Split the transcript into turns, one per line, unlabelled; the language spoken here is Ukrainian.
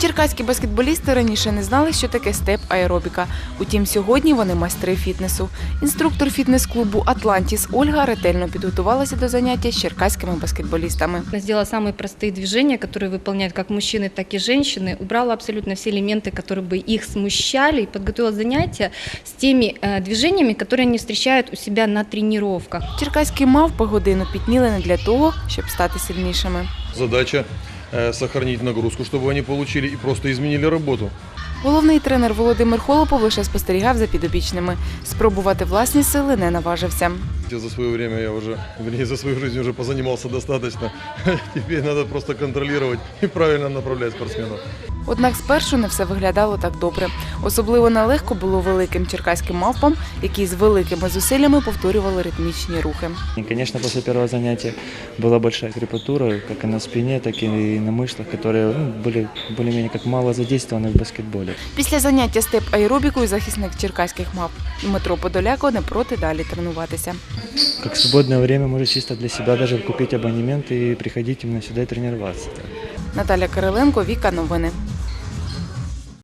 Черкаські баскетболісти раніше не знали, що таке степ-аеробіка. Утім, сьогодні вони майстри фітнесу. Інструктор фітнес-клубу «Атлантіс» Ольга ретельно підготувалася до заняття з черкаськими баскетболістами.
Сделала самые простые движения, которые выполняют как мужчины, так и женщины. Убрала абсолютно все элементы, которые бы их смущали. И подготовила занятия с теми движениями, которые они встречают у себя на тренировках.
Черкаські мавпи годину пітніли не для того, щоб стати сильнішими.
Задача сохранить нагрузку, чтобы они получили и просто изменили работу.
Головний тренер Володимир Холопов лише спостерігав за підопічними. Спробувати власні сили не наважився.
За свое время я уже, вернее, за свою жизнь уже позанимался достаточно. Теперь надо просто контролировать и правильно направлять спортсменов.
Однак спершу не все виглядало так добре. Особливо нелегко було великим черкаським мавпам, які з великими зусиллями повторювали ритмічні рухи.
И, конечно, после первого занятия была большая крепатура, как и на спине, так и на мышцах, которые были более-менее как мало задействованы в баскетболе.
Після заняття степ-аеробікою захисник черкаських мавп Дмитро Подоляко не проти далі тренуватися.
Как свободное время может чисто для себя даже купить абонемент и приходить именно сюда и тренироваться.
Наталя Кириленко, Віка, новини.